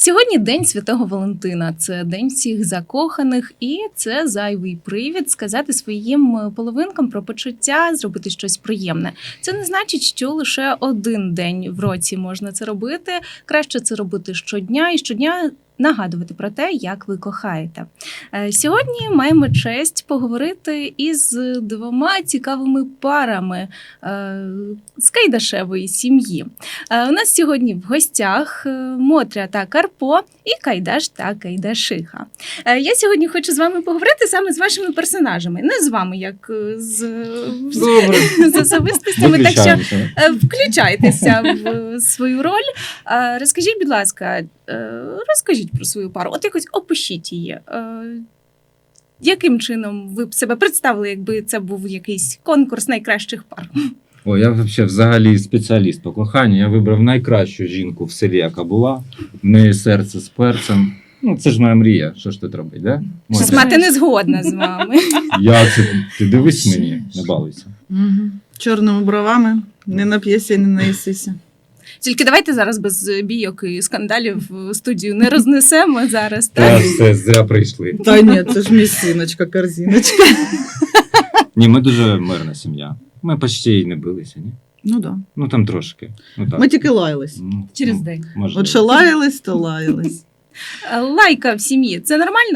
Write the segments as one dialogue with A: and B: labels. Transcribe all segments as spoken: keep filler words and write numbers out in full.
A: Сьогодні День Святого Валентина. Це день всіх закоханих, і це зайвий привід сказати своїм половинкам про почуття, зробити щось приємне. Це не значить, що лише один день в році можна це робити. Краще це робити щодня і щодня нагадувати про те, як ви кохаєте. Сьогодні маємо честь поговорити із двома цікавими парами з Кайдашевої сім'ї. У нас сьогодні в гостях Мотря та Карпо і Кайдаш та Кайдашиха. Я сьогодні хочу з вами поговорити саме з вашими персонажами, не з вами, як з, з особистостями, так що включайтеся в свою роль. Розкажіть, будь ласка, розкажіть про свою пару, от якось опишіть її. Яким чином ви б себе представили, якби це був якийсь конкурс найкращих пар?
B: О, я взагалі, взагалі спеціаліст по коханню. Я вибрав найкращу жінку в селі, яка була. В неї серце з перцем. Ну, це ж моя мрія. Що ж тут робить, да?
A: Щось мати не згодна з вами.
B: Я це, ти дивись мені, не балуйся.
C: Угу. Чорними бровами, не нап'єся, не наїсися.
A: Тільки давайте зараз без бійок і скандалів студію не рознесемо зараз.
B: Та
A: Так?
B: все, зря прийшли.
C: Та ні, це ж місіночка, корзиночка.
B: Ні, ми дуже мирна сім'я. Ми почти і не билися, ні?
C: Ну да.
B: Ну там трошки. Ну, так.
C: Ми тільки лаялись.
B: Ну,
A: Через
B: ну,
A: день.
B: можливо.
C: От що лаялись, то лаялись.
A: Лайка в сім'ї – це нормально?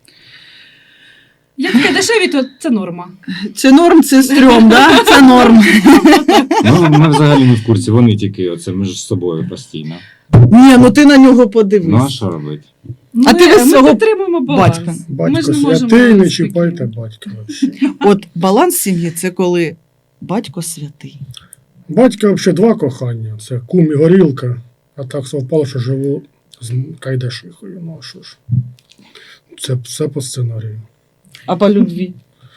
D: Як таке дешеві, то це норма.
C: Чи норм, це стрьом, да? Це норм.
B: Ну, ми взагалі не в курсі, вони тільки оце між собою постійно.
C: Ні, ну ти на нього
B: Ну а
C: подивись.
B: що робити?
C: А ти без
D: ми
C: цього
D: підтримуємо баланс.
C: батька.
D: Ми
E: Батько
D: ж не можемо
E: святий, не
D: спокійно.
E: чіпайте батька. вообще.
C: От баланс сім'ї – це коли батько святий.
E: Батька взагалі два кохання. Це кум і горілка. А так совпало, що живу з Кайдашихою. Ну а що ж. Це все по сценарію.
C: А по любві?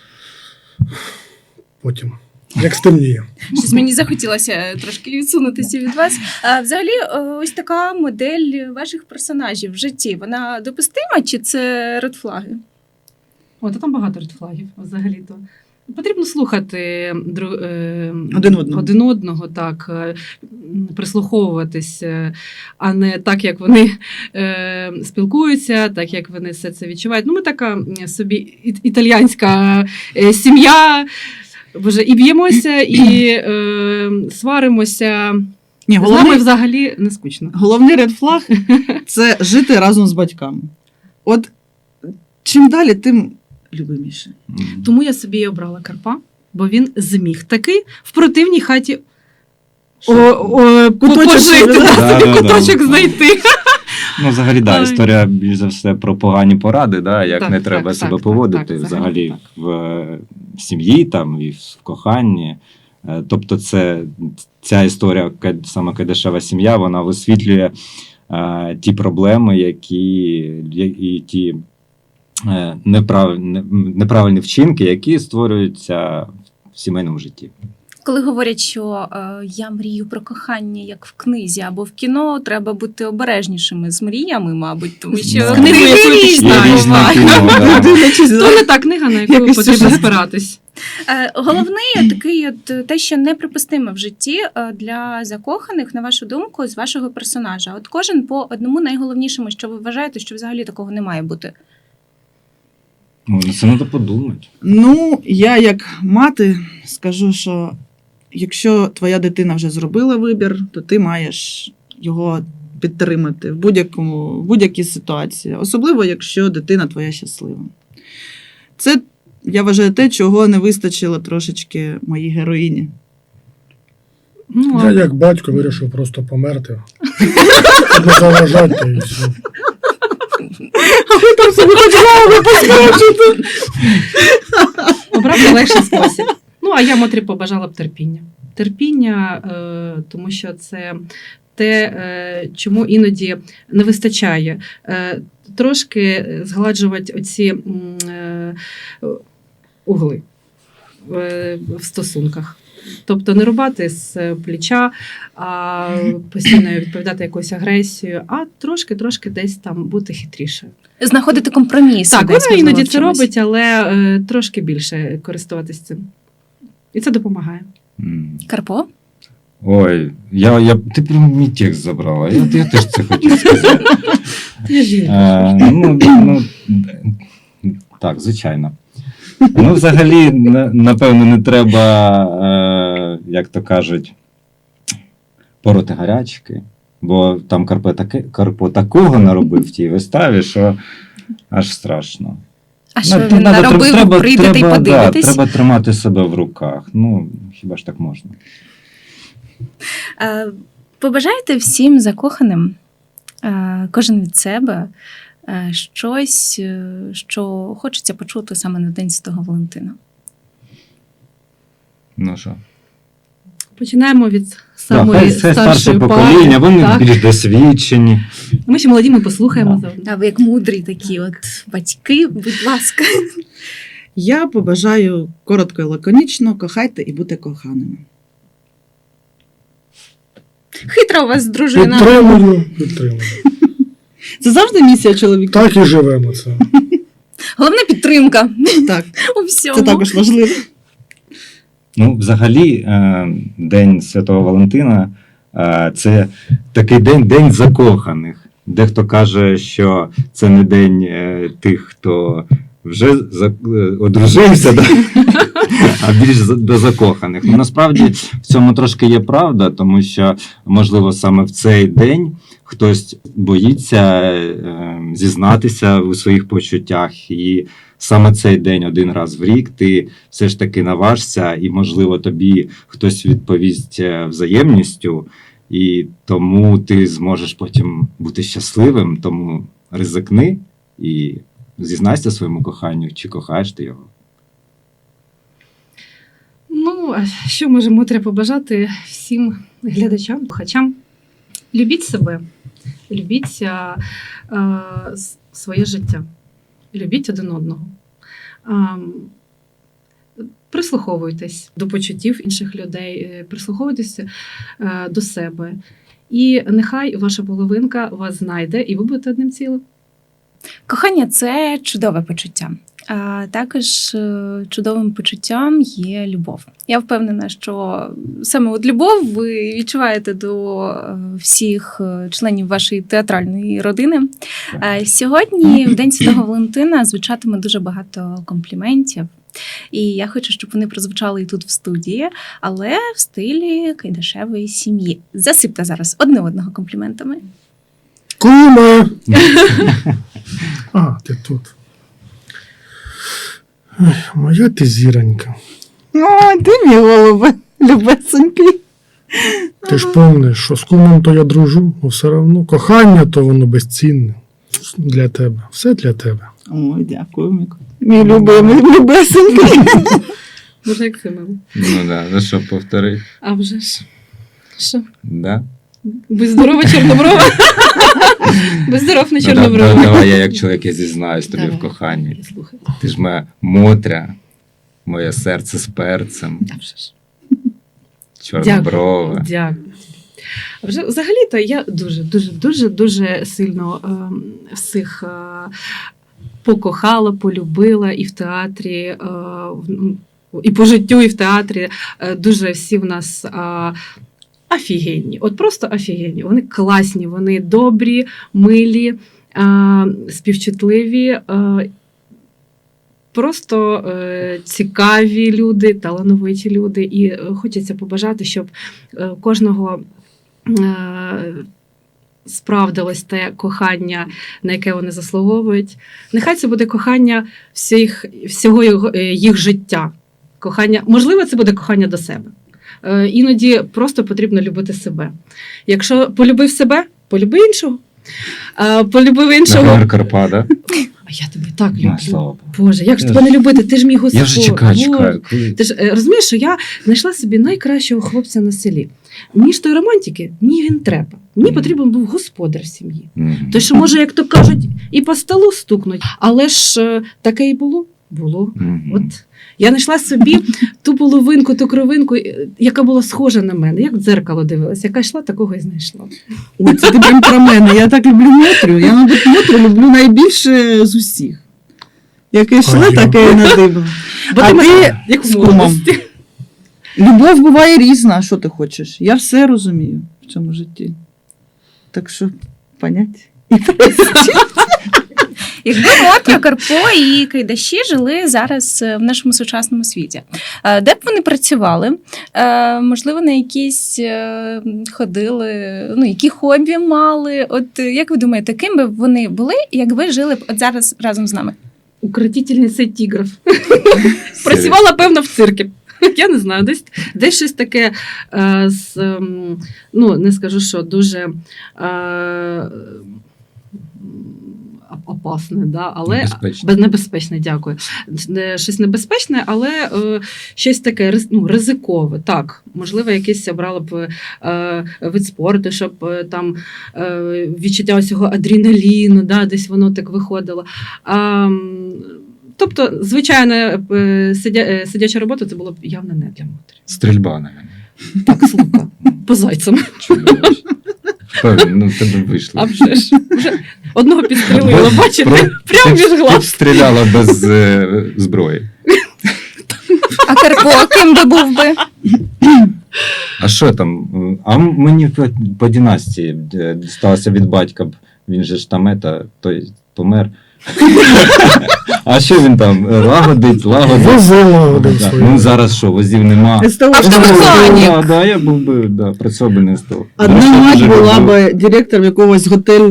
E: Потім. Як стемніє.
A: Щось мені захотілося трошки відсунутися від вас. А, взагалі, ось така модель ваших персонажів в житті, вона допустима чи це редфлаги?
D: О, та там багато редфлагів взагалі-то. Потрібно слухати дру... е...
C: Один одного.
D: один одного, так, е, прислуховуватись, е, а не так, як вони е... спілкуються, так, як вони все це відчувають. Ну, ми така м, собі і- італіянська е, сім'я, Боже, і б'ємося, і е... сваримося.
C: Ні,
D: З нами
C: головний,
D: взагалі не скучно.
C: головний редфлаг – це жити разом з батьками. От чим далі, тим любиміше.
B: М.
D: Тому я собі і обрала Карпа, бо він зміг таки в противній хаті о, о,
C: Куточок
D: пожити,
C: собі,
D: да,
B: да?
D: собі
B: Да-да-да.
D: куточок знайти.
B: Ну, взагалі, да,
D: Ой.
B: історія більш за все про погані поради, да, як
D: Так,
B: не
D: так,
B: треба
D: так,
B: себе
D: так,
B: поводити
D: так,
B: взагалі
D: так.
B: в е, сім'ї там, і в коханні. Е, Тобто це, ця історія, Кай- саме Кайдашева сім'я, вона висвітлює е, ті проблеми, які я- і ті е, неправ, не- неправильні вчинки, які створюються в сімейному житті.
A: Коли говорять, що е, я мрію про кохання, як в книзі або в кіно, треба бути обережнішими з мріями, мабуть, тому що
B: Да.
A: книги
D: Книгу, яку ти
A: різні
D: читаєш,
B: Є різне
A: бувають.
B: кіно, да.
C: Дивлячись,
D: То не та книга, на яку
C: Якийсь
D: потрібно
C: сюжет.
D: спиратись.
A: Е, Головний такий от те, що неприпустиме в житті е, для закоханих, на вашу думку, з вашого персонажа. От кожен по одному найголовнішому, що ви вважаєте, що взагалі такого не має бути.
B: Ну, це треба подумати.
C: Ну, я як мати скажу, що якщо твоя дитина вже зробила вибір, то ти маєш його підтримати в будь-якому, в будь-якій ситуації. Особливо, якщо дитина твоя щаслива. Це, я вважаю, те, чого не вистачило трошечки моїй героїні.
D: Ну,
E: Я як батько вирішив просто померти. Щоб не заважати і все.
C: А ви там собі хоч голову поскочите.
D: обрати легший спосіб. Ну, а я Мотрі побажала б терпіння. Терпіння, е, тому що це те, е, чому іноді не вистачає. Е, трошки згладжувати оці м, е, угли е, в стосунках. Тобто не рубати з плеча, а постійно відповідати якоюсь агресією, а трошки-трошки десь там бути хитрішою.
A: Знаходити компроміс.
D: Так,
A: десь,
D: вона
A: можливо,
D: іноді
A: в
D: це
A: чомусь.
D: робить, але е, трошки більше користуватись цим. І це допомагає.
B: М.
A: Карпо?
B: Ой, я, я, ти прям мій текст забрала. Я, я теж це хотів сказати.
D: Ти жінка.
B: Е, ну, ну, так, звичайно. Ну, взагалі, на- напевно, не треба, е, як то кажуть, пороти гарячки, бо там Карпо, таке, Карпо такого наробив в тій виставі, що аж страшно.
A: А що
B: Ну,
A: він
B: надо-
A: наробив,
B: треба,
A: прийдете
B: треба,
A: і подивитесь.
B: Да, треба тримати себе в руках. Ну, хіба ж так можна?
A: Е, Побажайте всім закоханим, е, кожен від себе, е, щось, е, що хочеться почути саме на День Святого Валентина.
B: Ну що?
D: Починаємо від
B: Да,
D: самої
B: хай, хай
D: старшої
B: старше
D: пари.
B: покоління, вони
D: Так.
B: більш досвідчені.
D: Ми ще молоді, ми послухаємо
B: Да.
D: заодно.
A: А ви як мудрі такі от батьки, будь ласка.
C: Я побажаю коротко і лаконічно, кохайте і будьте коханими.
A: Хитра у вас дружина.
E: Підтримую, підтримую.
C: Це завжди місія чоловіка.
E: Так і живемо це.
A: Головна підтримка
C: Так,
A: у всьому.
C: це також важливо.
B: Ну, взагалі, е, День Святого Валентина е, це такий день, день закоханих. Дехто каже, що це не день е, тих, хто вже за, е, одружився, да? А більш за- до закоханих. Ну, насправді в цьому трошки є правда, тому що, можливо, саме в цей день хтось боїться е, зізнатися у своїх почуттях. І саме цей день один раз в рік ти все ж таки наважся, і, можливо, тобі хтось відповість е, взаємністю, і тому ти зможеш потім бути щасливим, тому ризикни і зізнайся своєму коханню, чи кохаєш ти його.
D: Ну, а що можемо треба побажати всім глядачам, слухачам? Любіть себе, любіть а, а, с- своє життя, любіть один одного. А, прислуховуйтесь до почуттів інших людей, е, прислуховуйтесь е, до себе. І нехай ваша половинка вас знайде, і ви будете одним цілим.
A: Кохання це чудове почуття. А також е, чудовим почуттям є любов. Я впевнена, що саме от любов ви відчуваєте до е, всіх е, членів вашої театральної родини. Е, Сьогодні, в День Святого Валентина, звучатиме дуже багато компліментів. І я хочу, щоб вони прозвучали і тут в студії, але в стилі Кайдашевої сім'ї. Засипте зараз одне одного компліментами.
E: Куме! А, ти тут. Ой, моя ти зіронька.
C: О, ти мій голубе, любесенький.
E: Ти ж помниш, що з кумом то я дружу, але все одно кохання то воно безцінне. Для тебе. Все для тебе.
C: Ой, дякую, Міко. Мій любимий, любесенький.
D: Може, як це мило.
B: Ну да, ну що, повтори.
D: А вже ж. Що?
B: Да?
D: Будь здорова, чорноброва. Будь здоров, не
B: Ну, да,
D: чорноброва.
B: да, давай я як чоловік я зізнаюсь тобі
D: Давай.
B: в коханні.
D: Я слухаю.
B: Ти ж моя Мотря, моє серце з перцем,
D: А вже ж.
B: чорноброва.
D: Дякую. А вже взагалі-то я дуже, дуже, дуже, дуже сильно е, всіх е, покохала, полюбила і в театрі, е, в- і по життю, і в театрі. Е, дуже всі в нас. Е, Офігенні, от просто офігенні. Вони класні, вони добрі, милі, е, співчутливі, е, просто е, цікаві люди, талановиті люди. І е, хочеться побажати, щоб е, кожного е, справдилось те кохання, на яке вони заслуговують. Нехай це буде кохання всіх, всього його, е, їх життя. Кохання, можливо, це буде кохання до себе. Е, Іноді просто потрібно любити себе. Якщо полюбив себе, полюби іншого. А полюбив іншого.
B: Наприклад, Карпа, да?
D: А я тебе так
B: Ну,
D: люблю.
B: слава Богу.
D: Боже, як ж
B: Я
D: тебе
B: ж-
D: не любити? Ти ж мій Господь.
B: Я вже чекаю,
D: Боже.
B: чекаю. Коли-
D: Ти ж е, розумієш, що я знайшла собі найкращого хлопця на селі. Мені ж той романтики, мені він треба. Мені
B: Мгм.
D: потрібен був господар в сім'ї.
B: Мгм.
D: Той, що може, як то кажуть, і по столу стукнуть. Але ж е, таке і було. Було.
B: Мгм.
D: От я знайшла собі ту половинку, ту кровинку, е, яка була схожа на мене, як в дзеркало дивилася, яка йшла, такого і знайшла.
C: Ой, це ти прям про мене. Я так люблю Мотрю. Я, мабуть, Мотрю люблю найбільше з усіх. Яке йшло,
E: А я?
C: таке і надибало.
D: Бо
C: А
D: ти мене-
C: ти
D: як
C: з
D: в
C: кумом.
D: молодості.
C: Любов буває різна, а що ти хочеш? Я все розумію в цьому житті. Так що, понять?
A: Якби Мотря, Карпо і Кайдаші жили зараз е, в нашому сучасному світі, е, де б вони працювали? Е, Можливо, на якісь е, ходили, ну, які хобі мали? От е, як ви думаєте, ким би вони були, якби жили б от зараз разом з нами?
D: Укротительниця тігрів. Працювала, певно, в циркі. Я не знаю, десь, десь щось таке, е, з, ем, ну, не скажу, що дуже е, опасне, да, але
B: Небезпечно.
D: без- небезпечне, дякую. Не- Щось небезпечне, але е, щось таке риз- ну, ризикове. Так, можливо, якийсь обрала б е, вид спорту, щоб е, там е, відчуття цього адреналіну, да, десь воно так виходило. А, м, тобто, звичайно, е, сидя, е, сидяча робота це було б явно не для матері.
B: Стрільба, навіть.
D: Так, з лука, по зайцям.
B: Чудово. Впевнений, ну в тебе вийшло.
D: А вже ж. Вже одного підстрелила,
B: Без-
D: бачите?
B: про-
D: Прямо
B: ти-
D: між
B: Ти б
D: глаз.
B: стріляла без е, зброї.
A: А Карпо ким би був би?
B: А що там? А мені по, по династії е, дісталося від батька. б. Він же ж там ета, той помер. А що він там? Лагодить, лагодить.
E: Возила один
B: Да.
E: свою.
B: Ну зараз що, возів нема.
C: СТО.
A: Автомеханік.
B: Да, да, я був би, да, працював би не з того.
C: Одна
B: До речі,
C: мать
B: дуже
C: була
B: люблю.
C: би директором якогось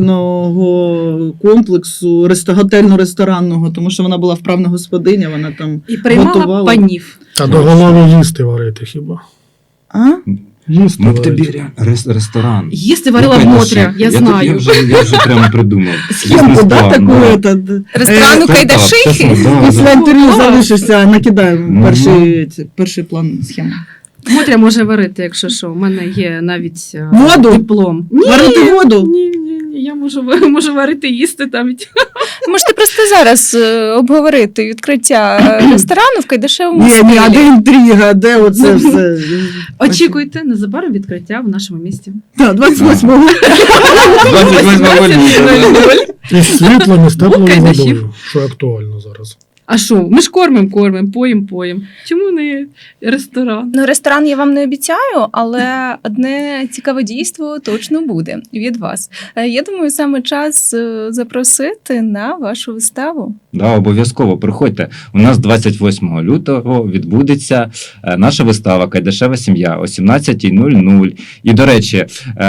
C: готельного комплексу, ресто- готельно-ресторанного, тому що вона була вправна господиня, вона там.
D: І приймала
C: Готувала.
D: панів.
E: Та до голови їсти варити хіба.
C: А?
E: Їсти
B: Ми в
E: варити.
B: тобі ре- рес- ресторан.
D: Їсти варила
B: Ну,
D: в
B: конечно,
D: Мотря, я
B: тут-
D: знаю.
B: Я вже, я вже прямо придумав.
C: Схемку, да,
B: Бізнес-план,
C: таку?
B: да.
C: этот,
A: Ресторану
C: е,
B: Так,
A: Кайдашихи?
B: так, да,
C: Після
B: да.
C: інтерв'ю
D: Клас.
C: залишишся, накидаємо
B: Мгм.
C: перший, ці- перший план схеми.
D: Мотря може варити, якщо що. У мене є навіть е,
C: Воду?
D: диплом. Ні,
C: Варити воду?
D: ні, ні, ні, я можу, ва- можу варити їсти там.
A: Можете просто зараз е, обговорити відкриття е, ресторану в Кайдашевому
C: Ні, ні, а
A: стилі.
C: де інтрига, де оце все?
D: Очікуйте, незабаром відкриття в нашому місті.
C: Так, двадцять восьмого.
B: двадцять восьмого лютого.
E: І з світлом, і з теплою
D: Кайдашів.
E: водою, що актуально зараз.
D: А що? Ми ж кормимо, кормимо, поїм, поїм. Чому не ресторан?
A: Ну, ресторан я вам не обіцяю, але одне цікаве дійство точно буде від вас. Е, Я думаю, саме час е, запросити на вашу виставу.
B: Да, обов'язково приходьте. У нас двадцять восьмого лютого відбудеться е, наша вистава Кайдашева сім'я о сімнадцятій нуль нуль. І, до речі,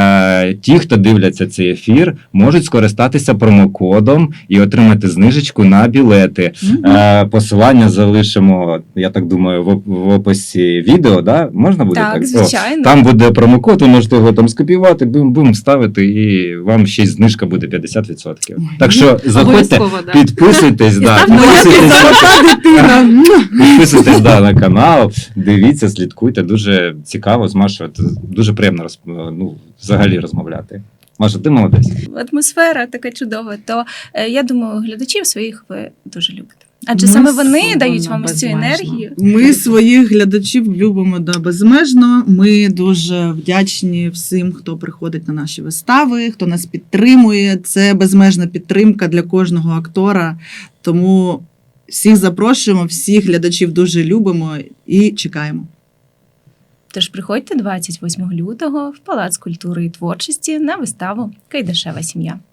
B: е, ті, хто дивляться цей ефір, можуть скористатися промокодом і отримати знижечку на білети. Е, Посилання залишимо, я так думаю, в, в описі відео. Да? Можна буде так?
A: Так,
B: О,
A: звичайно.
B: там буде промокод, ви можете його там скопіювати, бум-бум ставити, і вам ще й знижка буде п'ятдесят відсотків. Так що заходьте,
D: Обов'язково, да.
B: підписуйтесь, да,
D: ставте
B: підписуйтесь,
C: Золота дитина.
B: підписуйтесь да, на канал, дивіться, слідкуйте. Дуже цікаво з Машою. Це дуже приємно роз, ну, взагалі розмовляти. Маша, ти молодець.
A: Атмосфера така чудова. То е, я думаю, глядачів своїх ви дуже любите. Адже
C: Ну,
A: саме вони
D: вона
A: дають вам ось цю
D: безмежна.
A: енергію.
C: Ми своїх глядачів любимо да, безмежно. Ми дуже вдячні всім, хто приходить на наші вистави, хто нас підтримує. Це безмежна підтримка для кожного актора. Тому всіх запрошуємо, всіх глядачів дуже любимо і чекаємо.
A: Тож приходьте двадцять восьмого лютого в Палац культури і творчості на виставу Кайдашева сім'я.